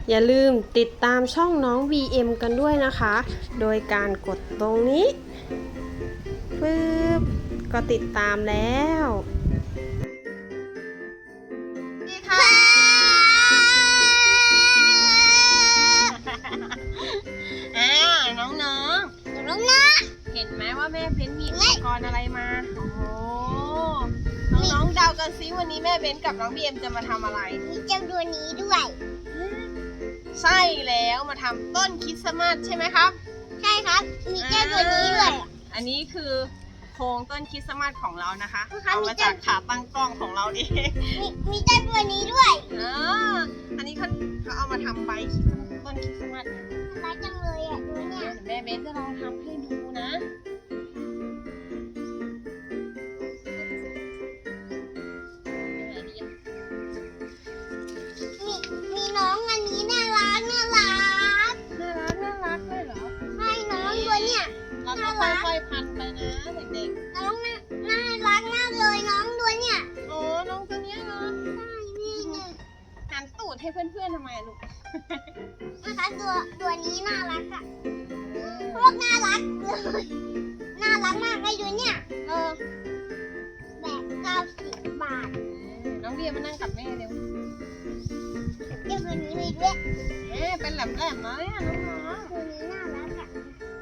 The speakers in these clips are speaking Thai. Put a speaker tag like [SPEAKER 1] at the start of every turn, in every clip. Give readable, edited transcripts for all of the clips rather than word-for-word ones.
[SPEAKER 1] อย่าลืมติดตามช่องน้อง VM กันด้วยนะคะ โดยการกดตรงนี้ปึ๊บก็ติดตามแล้ว
[SPEAKER 2] นี่ค่ะน้องๆเห็นไหมว่าแม่เบ้นมีอุปกรณ์อะไรมาโอ้โหน้องๆเดากันซิวันนี้แม่เบ้นกับน้องบีเอ็มจะมาทำอะไร
[SPEAKER 3] มีเจ้าตัวนี้ด้วย
[SPEAKER 2] ใช่แล้วมาทำต้นคริสต์มาสใช่ไหมครับ
[SPEAKER 3] ใช่ครับมีเจ้าตัวนี้ด้วย
[SPEAKER 2] อันนี้คือโครงต้นคริสต์มาสของเรานะคะเอามาจากขาตั้งกล้องของเราเอง
[SPEAKER 3] มีเจ้าตัวนี้ด้วย
[SPEAKER 2] อันนี้เขาเอามาทำใบต้นคริสต์มาส
[SPEAKER 3] รักจังเลยอ่ะดูเนี่ย
[SPEAKER 2] แม่เบนจะลองทำให้ดูนะ
[SPEAKER 3] มีน้องอันนี้น่ารัก
[SPEAKER 2] เลยเหรอ
[SPEAKER 3] ใช่น้องตัวเนี่ย
[SPEAKER 2] เราต้องค่อยๆพันไปนะเด็ก
[SPEAKER 3] ๆน้องน่ารักมากเลยน้องตัวเนี่ย
[SPEAKER 2] โอ้น้องตัวเนี้ยเนาะ
[SPEAKER 3] ใช่นี่เนี่ย
[SPEAKER 2] หันตูดให้เพื่อนๆทำไมลูก
[SPEAKER 3] นะคะตัวนี้น่ารักอ่ะพวกน่ารักเลยน่ารักมากเลยดูเนี่ยแบบ90 บาท
[SPEAKER 2] น้องเบียร์มานั่งกับแม่เร็ว
[SPEAKER 3] เจ้าตัวนี้มีด้วย
[SPEAKER 2] เป็นแหลมๆนะเนี่ยน้องๆ
[SPEAKER 3] ตัวนี้น่ารักอ่ะ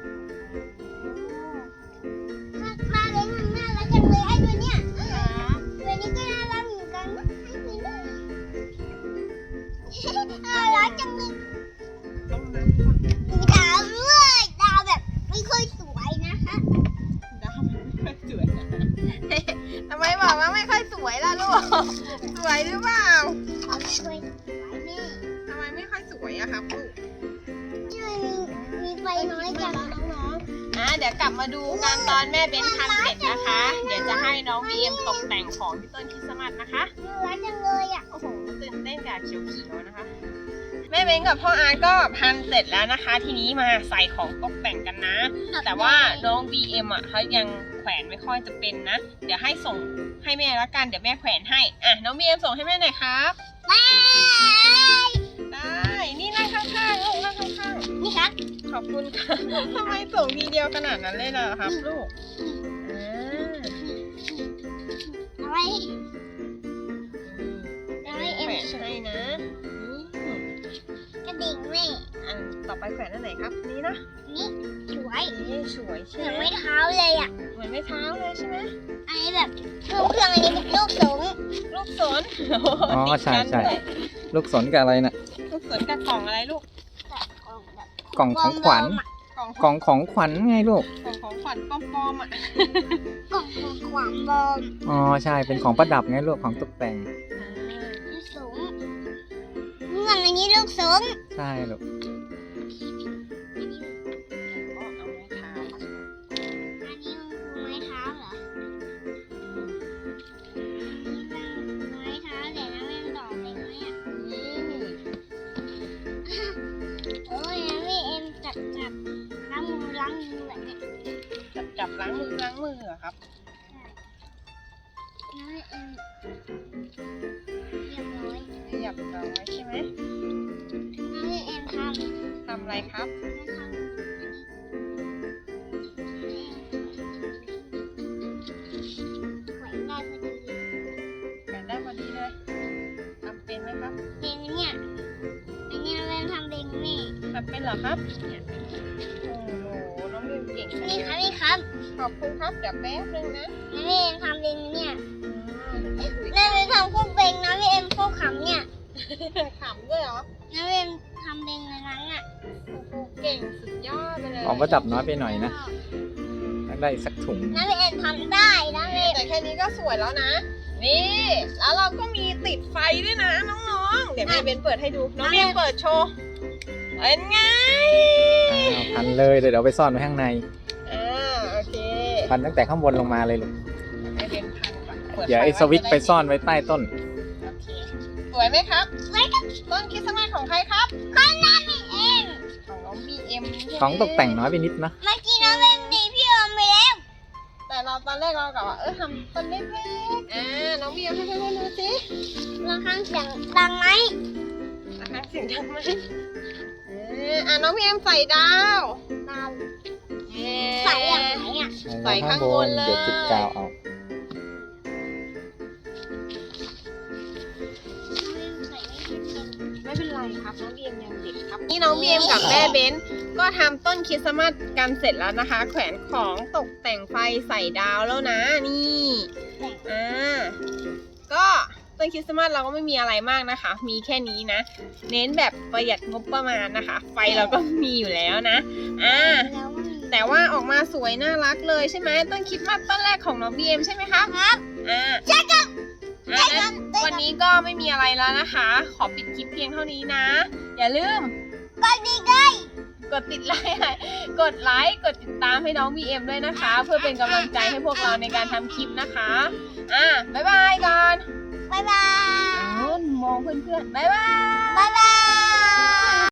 [SPEAKER 3] มาเลยมันน่ารักจังเลยไอ้ตัวเนี้ยตัวนี้ก็น่ารักเหมือนกันนะไอ้ตัวนี้น่ารักจังเลยมีดาวด้วยดาวแบบไม่ค่อยสวยนะคะ
[SPEAKER 2] ดาวไม่ค่อยสวยทำไมบอกว่าไม่ค่อยสวยล่ะลูกสวยหรือเปล่า
[SPEAKER 3] ไม่ค่อยสวยแม่
[SPEAKER 2] ทำไมไม่ค่อยสวยอะครับลูก
[SPEAKER 3] มีไฟน้อยจัง
[SPEAKER 2] น้องๆเดี๋ยวกลับมาดูกันตอนแม่เบ้นทำเสร็จนะคะเดี๋ยวจะให้น้องบีเอ็มตกแต่งของที่ต้นคริสต์มาสนะคะ
[SPEAKER 3] น่ารักจังเลยอ่ะ
[SPEAKER 2] โอ้โหตื่นเต้นกับเขียวๆนะคะแม่เบ้นกับพ่ออาร์ตก็พันเสร็จแล้วนะคะทีนี้มาใส่ของตกแต่งกันนะแต่ว่าน้อง BM อ่ะเขายังแขวนไม่ค่อยจะเป็นนะเดี๋ยวให้ส่งให้แม่แล้วกันเดี๋ยวแม่แขวนให้น้อง BM ส่งให้แม่หน่อยครับได้นี่นั่งข้างๆลูกนั่งข้าง
[SPEAKER 3] ๆนี่ครับ
[SPEAKER 2] ขอบคุณค่ะทำไมส่งทีเดียวขนาดนั้นเลยล่ะครับลูก
[SPEAKER 3] เอาไว้
[SPEAKER 2] แขวนให้นะ
[SPEAKER 3] กระดิ่งแม่
[SPEAKER 2] ต่อไปแขวนอันไหนครับนี่นะ
[SPEAKER 3] นี่สวย
[SPEAKER 2] ใช่ไหม
[SPEAKER 3] เหมือนไม้เท้าเลยอ่ะ
[SPEAKER 2] เหมือนไม้เท้าเลยใช่ไหม
[SPEAKER 3] อันนี้แบบเครื่องอันนี้เป็นลูกสน
[SPEAKER 1] อ๋อใช่ลูกสนกับอะไรน่ะ
[SPEAKER 2] ลูกสนกับกล่องอะไรลูก
[SPEAKER 1] กล่องของขวัญกล่องของขวัญไงลูก
[SPEAKER 2] กล่องของขวัญปลอมๆ
[SPEAKER 3] กล่องของขวัญปลอม
[SPEAKER 1] อ๋อใช่เป็นของประดับไงลูกของตกแต่ง
[SPEAKER 3] สูงเงื่อนอันนี้ลูกสูง
[SPEAKER 1] ใช่ลูก
[SPEAKER 2] จับล้างมือเหรอครับเรียบร้อยใช่ไหม
[SPEAKER 3] น้องเอ็ม
[SPEAKER 2] ทำอะไรครับ
[SPEAKER 3] แขวน
[SPEAKER 2] ได้พอดีเลยทำเป็นไหมครับ
[SPEAKER 3] เองเนี่ยอันนี้เราทำเองนี่
[SPEAKER 2] ทำเป็นเหรอครับเนี่ยโอ้โหน้องเอ็มเก่ง
[SPEAKER 3] นี่ครับ
[SPEAKER 2] ขอบคุณครับเดี๋ยวแป๊บนึงนะ
[SPEAKER 3] น้องเอ็มทำเองเนี่ยน้องเอ็มทำคู่เบงน้องเอ็มคู่ขำเนี่ย
[SPEAKER 2] ขำด้วยเหรอ
[SPEAKER 3] น้องเอ็มทำเบงในนั้นอ่ะ
[SPEAKER 2] โอ้โหเก่งสุดยอดไปเลย
[SPEAKER 1] ของประดับน้อยไปหน่อยนะได้สักถุง
[SPEAKER 3] น้องเอ็มทำได้น้องเอ็ม
[SPEAKER 2] แต่แค่นี้ก็สวยแล้วนะนี่แล้วเราก็มีติดไฟด้วยนะน้องๆเดี๋ยวแม่เบนเปิดให้ดูน้องเบนเปิดโชว์เป็นไง
[SPEAKER 1] พันเลยเดี๋ยวไปซ่อนไว้ข้างใน
[SPEAKER 2] โอเค
[SPEAKER 1] พันตั้งแต่ข้างบนลงมาเลยลูก
[SPEAKER 2] แม่เบนพันก่อน
[SPEAKER 1] เดี๋ยวไอ้สวิตช์ไปซ่อนไว้ใต้ต้น
[SPEAKER 2] โอเคสวยไหมครับสวยครับต้นคริสต์มาสของใครครับ
[SPEAKER 3] ของน้องบีเอ็ม
[SPEAKER 2] ของน้องบีเอ็ม
[SPEAKER 1] ของตกแต่งน้อยไปนิดนะ
[SPEAKER 3] เมื่อกี้น้องเอ็มดีพี่อมไปแล้ว
[SPEAKER 2] แต่เราตอนแรกเรากะว่าทำต้นเล็กๆน้องบีเอ็มให้ดูสิ
[SPEAKER 3] ลองข้างเสียงดังไหม
[SPEAKER 2] ข้างเสียงดังไหมน้องพีเอ็มใส่ดาว
[SPEAKER 3] ดาวใส่อย่างไหนอ่ะ
[SPEAKER 2] ใส่ข้างบนเลย
[SPEAKER 4] เดี๋ยวติดกาวเอา
[SPEAKER 2] ไม่เป็นไรครับน้องบีเอ็มยังเด็กครับนี่น้องบีเอ็มกับแม่เบนก็ทำต้นคริสต์มาสกันเสร็จแล้วนะคะ แขวนของตกแต่งไฟใส่ดาวแล้วนะนี่ก็ต้นคริสต์มาสเราก็ไม่มีอะไรมากนะคะ มีแค่นี้นะ เน้นแบบประหยัดงบประมาณนะคะ ไฟเราก็มีอยู่แล้วนะแต่ว่าออกมาสวยน่ารักเลยใช่ไหมต้นคริสต์มาสต้นแรกของน้องบีเอ็มใช่ไหมคะครับใช่ครับวันนี้ก็ไม่มีอะไรแล้วนะคะ ขอปิดคลิปเพียงเท่านี้นะ อย่าลืมกดติดไลค์กดติดตามให้น้อง BM ด้วยนะคะ เพื่อเป็นกำลังใจให้พวกเราในการทำคลิปนะคะบ๊ายบายก่อน
[SPEAKER 3] บ๊ายบาย
[SPEAKER 2] มองเพื่อนๆบ๊ายบาย
[SPEAKER 3] บ๊ายบาย